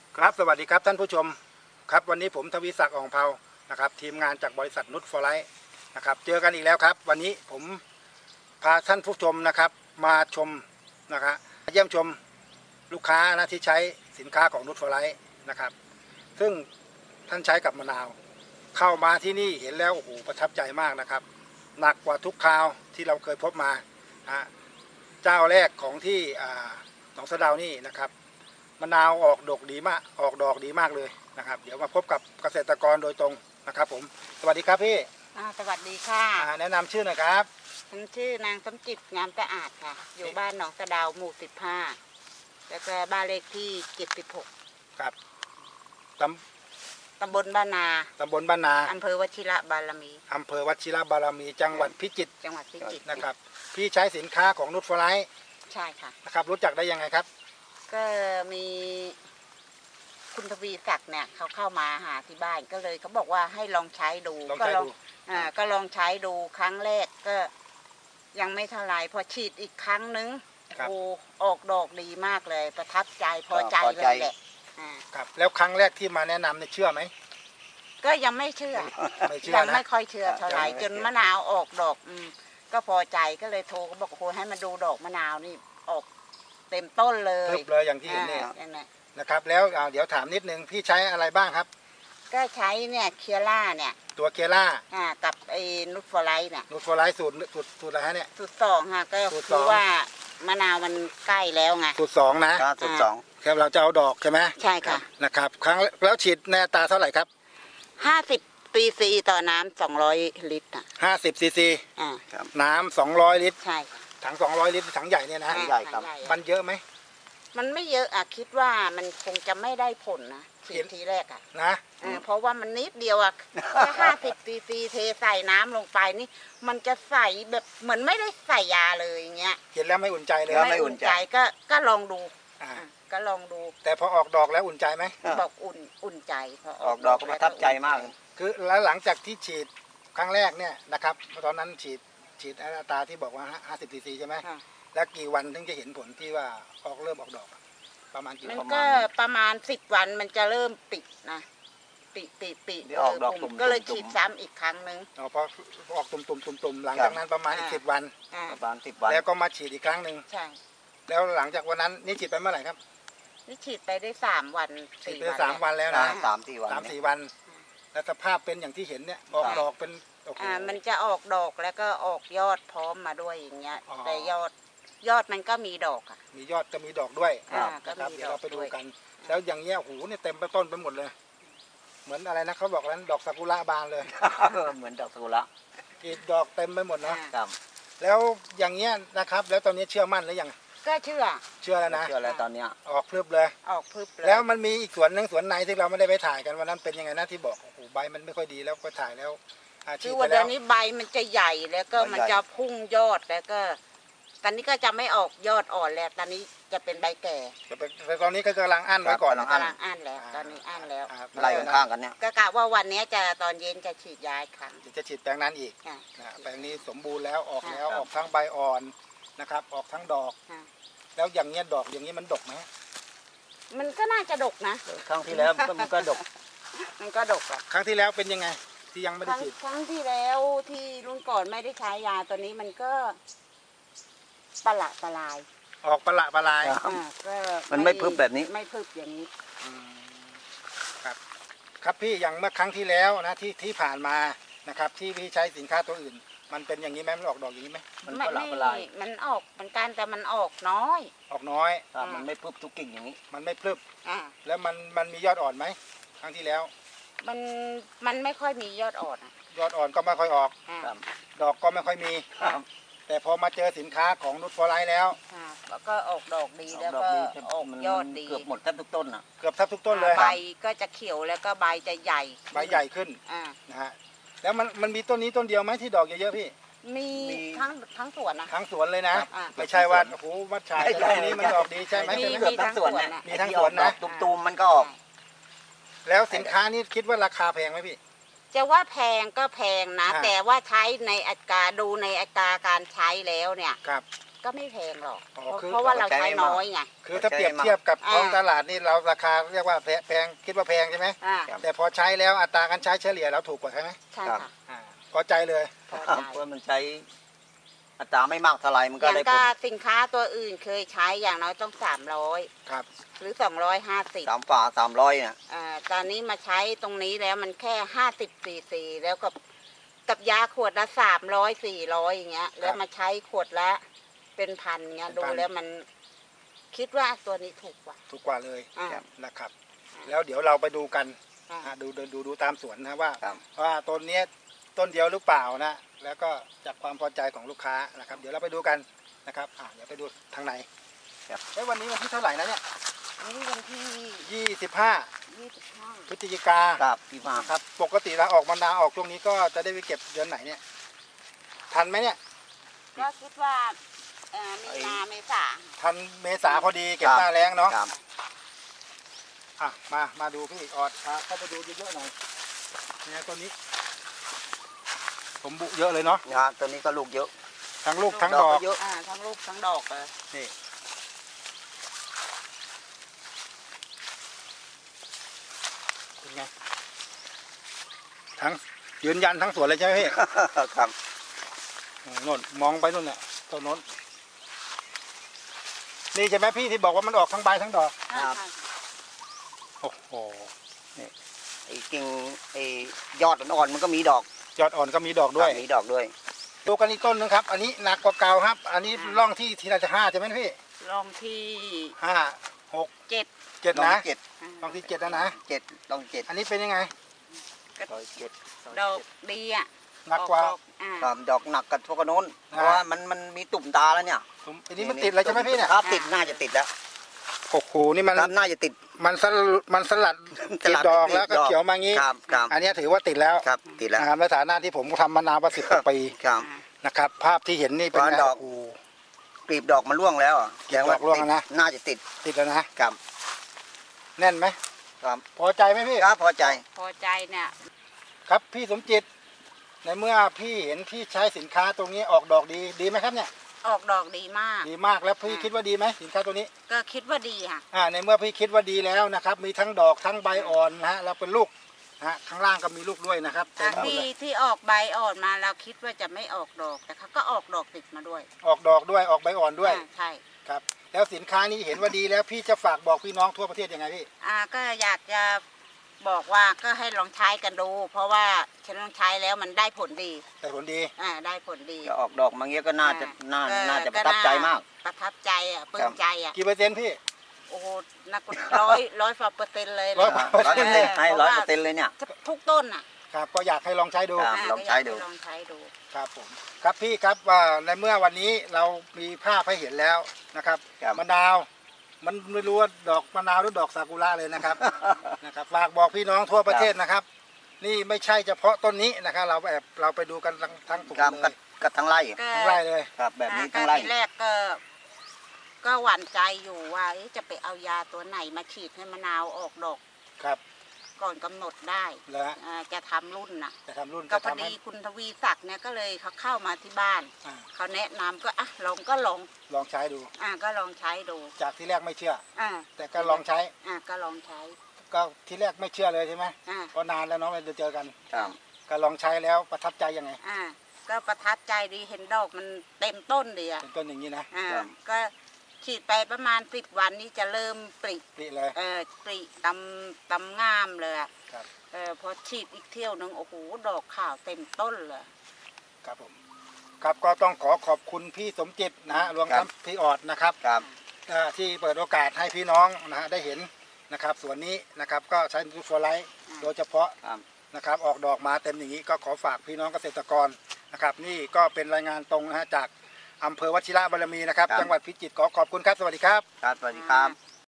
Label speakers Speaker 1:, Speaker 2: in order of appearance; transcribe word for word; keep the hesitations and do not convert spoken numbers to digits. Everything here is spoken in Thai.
Speaker 1: ครับสวัสดีครับท่านผู้ชมครับวันนี้ผมทวีศักดิ์อ่องเภานะครับทีมงานจากบริษัทนุชฟอร์ไลท์นะครับเจอกันอีกแล้วครับวันนี้ผมพาท่านผู้ชมนะครับมาชมนะครับเยี่ยมชมลูกค้านะที่ใช้สินค้าของนุชฟอร์ไลท์นะครับซึ่งท่านใช้กับมะนาวเข้ามาที่นี่เห็นแล้วโอ้โหประทับใจมากนะครับหนักกว่าทุกคราวที่เราเคยพบมานะเจ้าแรกของที่หนองสะเดานี่นะครับมะนาวออกดอกดีมากออกดอกดีมากเลยนะครับเดี๋ยวมาพบกับเกษตรกรโดยตรงนะครับผมสวัสดีครับพี่
Speaker 2: สวัสดีค่ะ
Speaker 1: แนะนำชื่อหน่อยครับ
Speaker 2: ฉันชื่อนางสมจิตงามสะอาดค่ะอยู่บ้านหนองสะเดาหมู่สิบห้าแล้วก็บ้านเลขที่เจ็ดสิบหก
Speaker 1: ครับต
Speaker 2: ำตำบลบ้านนา
Speaker 1: ตำบลบ้านนา
Speaker 2: อำเภอวชิระบารมี
Speaker 1: อำเภอวชิระบารมีจังหวัดพิจิตร
Speaker 2: จังหวัดพิจิตร
Speaker 1: นะครับพี่ใช้สินค้าของนุชฟอร์ไลท์
Speaker 2: ใช่ค่ะ
Speaker 1: นะครับรู้จักได้ยังไงครับ
Speaker 2: ก็มีคุณทวีศักดิ์เนี่ยเขาเข้ามาหาที่บ้านก็เลยเขาบอกว่าให้ลองใช้ดู
Speaker 1: ก็ลอง
Speaker 2: อ่าก็ลองใช้ดูครั้งแรกก็ยังไม่เท่าไรพอฉีดอีกครั้งนึงโอ้ออกดอกดีมากเลยประทับใจพอใจเลยแหละ
Speaker 1: ครับแล้วครั้งแรกที่มาแนะนำเนี่ยเชื่อไหม
Speaker 2: ก็ยังไม่เชื่อยังไม่ค่อยเชื่อเท่าไหร่จนมะนาวออกดอกอืมก็พอใจก็เลยโทรเขาบอกโอ้ให้มาดูดอกมะนาวนี่ออกเต็มต้นเลย
Speaker 1: ทึบเลยอย่างที่เห็นเนี่ยนะครับแล้วเดี๋ยวถามนิดนึงพี่ใช้อะไรบ้างครับ
Speaker 2: ก็ใช้เนี่ยเคียร่าเนี่ย
Speaker 1: ตัวเคียร่า
Speaker 2: อ่ากับไอ้นุชฟอร์ไลท์เนี่ย
Speaker 1: นุชฟอร์ไลท์สูตรสูตรสูตรอะไรฮะเนี่ย
Speaker 2: สูตรสองค่ะก็คือว่ามะนาวมันใกล้แล้วไง
Speaker 1: สูตรสองนะ
Speaker 3: สูตรสอง
Speaker 1: ครับเราจะเอาดอกใช่ไหม
Speaker 2: ใช่ค่ะ
Speaker 1: นะครับครั้งแล้วฉีดในอัตราเท่าไหร่ครับ
Speaker 2: ห้าสิบซีซีต่อน้ำสองร้อยลิตรอ่ะ
Speaker 1: ห้าสิบซีซี
Speaker 2: อ่า
Speaker 1: น้ำสองร้อยลิตร
Speaker 2: ใช่
Speaker 1: ถังสองร้อยลิตรถังใหญ่เนี่ยนะ
Speaker 3: ใหญ่ครับ
Speaker 1: มันเยอะไหม
Speaker 2: มันไม่เยอะอ่ะคิดว่ามันคงจะไม่ได้ผลนะฉีดทีแรกอ่ะ
Speaker 1: นะ
Speaker 2: เพราะว่ามันนิดเดียวอ่ะแค่ห้าสิบซีซีเทใส่น้ำลงไปนี่มันจะใส่แบบเหมือนไม่ได้ใส่ยาเลยอย่างเงี้ย
Speaker 1: เห็นแล้วไม่อุ่นใจเลย
Speaker 2: ไม่อุ่นใจก็ก็ลองดูก็ลองดู
Speaker 1: แต่พอออกดอกแล้วอุ่นใจไหม
Speaker 2: บอกอุ่นอุ่นใจพอ
Speaker 3: ออกดอกก็ประทับใจมาก
Speaker 1: คือแล้วหลังจากที่ฉีดครั้งแรกเนี่ยนะครับตอนนั้นฉีดฉีดอัตราที่บอกว่าห้าสิบซีซีใช่ไหมแล้วกี่วันถึงจะเห็นผลที่ว่าออกเริ่มออกดอกประมาณกี่
Speaker 2: วันมันก็ประมาณสิบวันมันจะเริ่มปิดนะปิดปิดปิด
Speaker 3: ออกดอก
Speaker 2: ก็เลยฉีดซ้ำอีกครั้งนึง
Speaker 1: อ๋อพอออกตุ่มตุ่มตุ่มตุ่มหลังจากนั้นประมาณอีกสิบวัน
Speaker 3: ประมาณสิบวัน
Speaker 1: แล้วก็มาฉีดอีกครั้งหนึ่ง
Speaker 2: ใช่
Speaker 1: แล้วหลังจากวันนั้นนี่ฉีดไปเมื่อไหร่ครับ
Speaker 2: นี่ฉีดไปได้สามวัน
Speaker 1: ฉีดไปสามวันแล้วนะ
Speaker 3: สามสี่วัน
Speaker 1: สามสี่วันแล้วสภาพเป็นอย่างที่เห็นเนี่ยออกดอกเป็น
Speaker 2: อ่ามันจะออกดอกแล้วก็ออกยอดพร้อมมาด้วยอย่างเงี้ยแต่ยอดยอดมันก็มีดอกอ่ะ
Speaker 1: มียอดจะมีดอกด้วย
Speaker 2: นะครับ
Speaker 1: เดี๋ยวเราไปดูกันแล้วอย่างเงี้ยหูเนี่ยเต็มไปต้นไปหมดเลยเหมือนอะไรนะเขาบอกนั้นดอกซากุระบานเลย
Speaker 3: เหมือนดอกซากุระ
Speaker 1: กีดดอกเต็มไปหมดนะแล้วอย่างเงี้ยนะครับแล้วตอนนี้เชื่อมั่นหรือยัง
Speaker 2: ก็เชื่อ
Speaker 1: เชื่อแล้วนะ
Speaker 3: เชื่อแล้วตอนเนี้ย
Speaker 1: ออกพรึบเลย
Speaker 2: ออกพรึบเลย
Speaker 1: แล้วมันมีอีกสวนหนึ่งสวนไหนที่เราไม่ได้ไปถ่ายกันวันนั้นเป็นยังไงนะที่บอกโอ้โหใบมันไม่ค่อยดีแล้วก็ถ่ายแล้ว
Speaker 2: คือวันนี้ใบมันจะใหญ่แล้วก็มันจะพุ่งยอดแล้วก็ตอนนี้ก็จะไม่ออกยอดอ่อนแล้วตอนนี้จะเป็นใบแก่
Speaker 1: แต่ตอนนี้ก็กำลังอั้นไว้ก่อน
Speaker 2: กำลังอั้นแล้วตอนนี้อั้นแล้ว
Speaker 3: ไล่ข้างกันเนี่ย
Speaker 2: ก็กะว่าวันนี้จะตอนเย็นจะฉีดยาครั้ง
Speaker 1: จะฉีดแปลงนั้นอีกแปลงนี้สมบูรณ์แล้วออกแล้วออกทั้งใบอ่อนนะครับออกทั้งดอกแล้วอย่างเงี้ยดอกอย่างนี้มันดกไหม
Speaker 2: มันก็น่าจะดกนะ
Speaker 3: ครั้งที่แล้วมันก็ดก
Speaker 2: มันก็ดกอ่ะ
Speaker 1: ครั้งที่แล้วเป็นยังไงที่ยังไม่ได้ฉีด
Speaker 2: ครั้งที่แล้วที่รุ่นก่อนไม่ได้ใช้ยาตัวนี้มันก็ปละปลาย
Speaker 1: ออกปละปลาย
Speaker 2: ก็
Speaker 3: มันไม่พึบแบบนี้
Speaker 2: ไม่พึบอย่างนี้
Speaker 1: ครับครับพี่อย่างเมื่อครั้งที่แล้วนะที่ที่ผ่านมานะครับที่พี่ใช้สินค้าตัวอื่นมันเป็นอย่างนี้ไหมมันออกดอกอย่างนี้ไหม
Speaker 2: มันปละปลายมันออกเหมือนกันแต่มันออกน้อย
Speaker 1: ออกน้อย
Speaker 3: มันไม่พึบทุกกิ่งอย่างนี้
Speaker 1: มันไม่พึบแล้วมันมันมียอดอ่อนไหมครั้งที่แล้ว
Speaker 2: มันมันไม่ค่อยมียอดอ่อน
Speaker 1: ยอดอ่อนก็ไม่ค่อยออกดอกก็ไม่ค่อยมีแต่พอมาเจอสินค้าของนุชฟอร์ไลท์แล้ว
Speaker 2: แล้วก็ออกดอกดีแล้วก็ออกยอดดี
Speaker 3: เกือบหมดแทบทุกต้นอ่ะ
Speaker 1: เกือบแทบทุกต้นเลย
Speaker 2: ใบก็จะเขียวแล้วก็ใบจะใหญ่
Speaker 1: ใบใหญ่ขึ้นนะฮะแล้วมันมันมีต้นนี้ต้นเดียวไหมที่ดอกเยอะๆพี่
Speaker 2: มีทั้งทั้งสวนนะ
Speaker 1: ทั้งสวนเลยนะไม่ใช่ว่าโอ้โหวัดชายต้นนี้มันดอกดีใช่ไหม
Speaker 2: มี
Speaker 1: ทั้งสวนมีทั้งสวนนะ
Speaker 3: ตุ่มๆมันก็ออก
Speaker 1: แล้วสินค้านี้คิดว่าราคาแพงไหมพี่
Speaker 2: จะว่าแพงก็แพงนะแต่ว่าใช้ในอัตราดูในอัตราการใช้แล้วเนี่ยก็ไม่แพงหรอก
Speaker 1: อ๋อ
Speaker 2: เพราะ
Speaker 1: คือ
Speaker 2: เพราะว่าเราใช้น้อยไง
Speaker 1: คือถ้าเปรียบเทียบกับ
Speaker 2: อ่า
Speaker 1: ท้องตลาดนี่เราราคาเรียกว่าแพแพงคิดว่าแพงใช่ไหม
Speaker 2: อ่า
Speaker 1: แต่พอใช้แล้วอัตราการใช้เฉลี่ยเราถูกกว่าใช่ไหม
Speaker 2: ใช่ค่ะ
Speaker 1: อ่าพอใจเลย
Speaker 2: พอ
Speaker 3: ครับ
Speaker 2: ใจ
Speaker 3: เพราะมันใช้อัตราไม่มากเท่าไหร่มัน
Speaker 2: อ
Speaker 3: ก็
Speaker 2: ย่าง
Speaker 3: ได้ผ
Speaker 2: ก็
Speaker 3: ล
Speaker 2: สินค้าตัวอื่นเคยใช้อย่างน้อยต้องสามร้อย
Speaker 1: ครับ
Speaker 2: หรือสองร้อยห้าสิบ
Speaker 3: สามฝาสามร้อยเนี่ย
Speaker 2: อ่าตอนนี้มาใช้ตรงนี้แล้วมันแค่ห้าสิบซีซีแล้วกับกับยาขวดละสามร้อยสี่ร้อยอย่างเงี้ย แล้วมาใช้ขวดละเป็นพันเงี้ยดูแล้วมันคิดว่าตัวนี้ถูกกว่า
Speaker 1: ถูกกว่าเลย
Speaker 2: อ่า
Speaker 1: นะครับ แล้วเดี๋ยวเราไปดูกัน
Speaker 2: อ่า
Speaker 1: อ่าดูดูดูดูตามสวนนะว่า
Speaker 3: ครับ
Speaker 1: ว่าต้นเนี้ยต้นเดียวหรือเปล่านะแล้วก็จากความพอใจของลูกค้านะครับ เดี๋ยวเราไปดูกันนะครับอ่าเดี๋ยวไปดูทางใน
Speaker 3: ครับ
Speaker 1: เอ้ยวันนี้วันที่เท่าไหร่นะเนี่ย
Speaker 2: นี่วันที่
Speaker 1: ยี่สิบห้า
Speaker 2: ยี่สิบห้า
Speaker 1: พฤศจิกา
Speaker 3: ครับพี่มา
Speaker 1: ครับปกติเราออกมะนาวออกช่วงนี้ก็จะได้ไปเก็บเดือนไหนเนี่ยทันไหมเนี่ย
Speaker 2: ก็คิดว่าเอ่อมีนาเมษา
Speaker 1: ทันเมษาพอดีเก็บหน้าแรงเนาะ
Speaker 3: ครับ
Speaker 1: อ่ะมามาดูพี่ออดพาเข้าไปดูเยอะๆหน่อยเนี่ยต้นนี้ ผมบุเยอะเลยเนาะ
Speaker 3: งานตัวนี้ก็ลูกเยอะ
Speaker 1: ทั้งลูกทั้งดอก
Speaker 3: เยอะ
Speaker 2: อ่าทั้งลูกทั้งดอกเลย
Speaker 1: นี่เป็นไงทั้งยืนยันทั้งสวนเลยใช่ไหมพี่
Speaker 3: ครับ
Speaker 1: โอ้โน่นมองไปนู่นน่ะต้นโน้นนี่ใช่ไหมพี่ที่บอกว่ามันออกทั้งใบทั้งดอก
Speaker 2: อ่า
Speaker 3: ครับ
Speaker 2: ใช่
Speaker 1: โอ้โห
Speaker 3: ไอ้กิ่งไอ้ยอดอ่อนๆมันก็มีดอก
Speaker 1: ยอดอ่อนก็มีดอกด้วย
Speaker 3: ครับมีดอกด้วย
Speaker 1: ดูกันอีกต้นนึงครับ อันนี้หนักกว่าเก่าครับ อันนี้ร่องที่ทีละจะห้าใช่ไหมพี่
Speaker 2: ลองที่
Speaker 1: ห้าหก
Speaker 2: เจ็ด
Speaker 1: เจ็ด
Speaker 3: ลอง
Speaker 1: นะ
Speaker 3: เจ็ด
Speaker 2: อ่า
Speaker 1: ร่องที่เจ็ดแล้วนะ
Speaker 3: เจ็ดลองเจ็ด
Speaker 1: อันนี้เป็นยังไง
Speaker 3: ร้อยเจ็ด
Speaker 2: ดอกดีอ่ะ
Speaker 1: หนักกว่า
Speaker 2: อออ่า
Speaker 3: ครับดอกหนักกับพวกกระโน้น
Speaker 1: อ่า
Speaker 3: เพราะว่ามันมันมีตุ่มตาแล้วเนี่ย
Speaker 1: ผมอันนี้มันติดอะไรใช่ไหมพี่เนี่ย
Speaker 3: ครับติดน่าจะติดแล้ว
Speaker 1: โอ้โหนี่มัน
Speaker 3: ครับน่าจะติด
Speaker 1: มันสลัดมันสลัดติดดอกแล้วก็เขียวมางี้
Speaker 3: ครับครับ
Speaker 1: อันนี้ถือว่าติดแล้ว
Speaker 3: ครับติดแล้ว
Speaker 1: นะครับในฐานะที่ผมทำมานานกว่าสิบกว่าปี
Speaker 3: ครับ
Speaker 1: นะครับ ภาพที่เห็นนี่เป็น
Speaker 3: ว่า
Speaker 1: ไง
Speaker 3: ดอก
Speaker 1: โอ้โห
Speaker 3: กลีบดอกมันร่วงแล้วอ่ะ
Speaker 1: กลีบดอกร่วงแล้วนะ
Speaker 3: ติดน่าจะติด
Speaker 1: ติดแล้วนะ
Speaker 3: ครับ
Speaker 1: แน่นไหม
Speaker 3: ครับ
Speaker 1: พอใจไหมพี่
Speaker 3: ครับพอใจ
Speaker 2: พอใจเนี่ย
Speaker 1: ครับพี่สมจิต ในเมื่อพี่เห็นพี่ใช้สินค้าตรงนี้ออกดอกดีดีไหมครับเนี่ย
Speaker 2: ออกดอกดีมาก
Speaker 1: ดีมากแล้วพี่คิดว่าดีไหมสินค้าตัวนี้
Speaker 2: ก็คิดว่าดีค่ะ
Speaker 1: อ่าในเมื่อพี่คิดว่าดีแล้วนะครับ มีทั้งดอกทั้งใบอ่อนนะฮะแล้วเป็นลูกนะฮะข้างล่างก็มีลูกด้วยนะครับเต็มหมด
Speaker 2: ที่
Speaker 1: เลย
Speaker 2: ที่ออกใบอ่อนมาเราคิดว่าจะไม่ออกดอกแต่เขาก็ออกดอกติดมาด้วย
Speaker 1: ออกดอกด้วยออกใบอ่อนด้วย
Speaker 2: อ่าใช่
Speaker 1: ครับแล้วสินค้านี้เห็นว่าดีแล้วพี่จะฝากบอกพี่น้องทั่วประเทศยังไงพี่
Speaker 2: อ่าก็อยากจะบอกว่าก็ให้ลองใช้กันดู เพราะว่าฉันลองใช้แล้วมันได้ผลดี
Speaker 1: แต่ผลดี
Speaker 2: อ่าได้ผลดี
Speaker 3: จะออกดอกมาเงี้ยก็น่าจะน่า
Speaker 2: ก็
Speaker 3: น่าจะประทับใจมาก
Speaker 2: ประทับใจอ่ะปลื้
Speaker 3: ครั
Speaker 2: ม
Speaker 3: บ
Speaker 2: ใจอ่ะ
Speaker 1: กี่เปอร์เซ็นต์พี่
Speaker 2: โอ้โหนักร้อยร้อยฝ่าเปอร์เซ็นต์เลย
Speaker 1: ร้อย
Speaker 2: นะ
Speaker 1: เปอร์
Speaker 3: ร้อย
Speaker 1: เซ็
Speaker 3: เปอน ร์เซ็นต์ให้ร้อยเปอร์เซ็นต์เลยเนี่ย
Speaker 2: ทุกต้นอ่ะ
Speaker 1: ครับก็อยากให้ลองใช้ดู
Speaker 3: ครับ
Speaker 2: า
Speaker 3: ลองใช้ดู
Speaker 2: ก็ยากห้ลองใช้ดู
Speaker 1: ครับผมครับพี่ครับว่าในเมื่อวันนี้เรามีภาพให้เห็นแล้วนะครับ
Speaker 3: ครับ
Speaker 1: มะนาวมันไม่รู้ว่าดอกมะนาวหรือดอกซากุระเลยนะครับ นะครับฝากบอกพี่น้องทั่วประเทศนะครับ นี่ไม่ใช่เฉพาะต้นนี้นะครับ เราแบบเราไปดูกันทั้งทั้งถุง
Speaker 3: ครับ
Speaker 1: เล
Speaker 3: ก็
Speaker 1: ย
Speaker 3: ก็ทั้งไร่
Speaker 2: ก็
Speaker 1: ทั้งไร่เลย
Speaker 3: ครับแบบนี้
Speaker 2: อ่า
Speaker 3: ทั้ง
Speaker 2: ก็
Speaker 3: ไร่
Speaker 2: ทีแรกก็ ก็หวั่นใจอยู่ว่าเอ๊ะจะไปเอายาตัวไหนมาฉีดให้มะนาวออกดอก
Speaker 1: ครับ
Speaker 2: ก่อนกำหนดได้
Speaker 1: แล้วฮะ
Speaker 2: อ่าจะทำรุ่นน่ะ
Speaker 1: จะทำรุ่น
Speaker 2: ก็
Speaker 1: จะ
Speaker 2: พอ
Speaker 1: ทำให้
Speaker 2: ดีคุณทวีศักดิ์เนี่ยก็เลยเขาเข้ามาที่บ้าน
Speaker 1: อ่า
Speaker 2: เขาแนะนำก็อ่ะลองก็ลอง
Speaker 1: ลองใช้ดู
Speaker 2: อ่าก็ลองใช้ดู
Speaker 1: จากที่แรกไม่เชื่อ
Speaker 2: อ่า
Speaker 1: แต่ก็ลองใช้
Speaker 2: อ่าก็ลองใช้
Speaker 1: ก็ที่แรกไม่เชื่อเลยใช่ไหม
Speaker 2: อ่า
Speaker 1: เพราะนานแล้วเนาะไม่ได้เจอกัน
Speaker 3: ครับ
Speaker 1: ก็ลองใช้แล้วประทับใจยังไง
Speaker 2: อ่าก็ประทับใจดีเห็นดอกมันเต็มต้นดีอ่ะ
Speaker 1: เป็นต้นอย่างนี้นะ
Speaker 2: อ่า
Speaker 3: ครับ
Speaker 2: ก็ฉีดไปประมาณสิบวันนี้จะเริ่มปริ
Speaker 1: นี่เลย
Speaker 2: เออปริตำตำงามเลยอะ
Speaker 1: ครับ
Speaker 2: เออพอฉีดอีกเที่ยวหนึงโอ้โหดอกขาวเต็มต้นเลย
Speaker 1: ครับผมครับก็ต้องขอขอบคุณพี่สมจิตนะฮะรวมทั้งพี่ออดนะครับ
Speaker 3: ครับ
Speaker 1: เอ่อที่เปิดโอกาสให้พี่น้องนะฮะได้เห็นนะครับส่วนนี้นะครับก็ใช้นูตฟอร์ไลท์โดยเฉพาะ
Speaker 3: ครับ
Speaker 1: นะครับออกดอกมาเต็มอย่างนี้ก็ขอฝากพี่น้องเกษตรกรนะครับนี่ก็เป็นรายงานตรงนะฮะจากอำเภอวชิระบารมีนะครับ จังหวัดพิจิตรขอขอบคุณครับสวัสดีครับ
Speaker 3: ครับสวัสดีครับ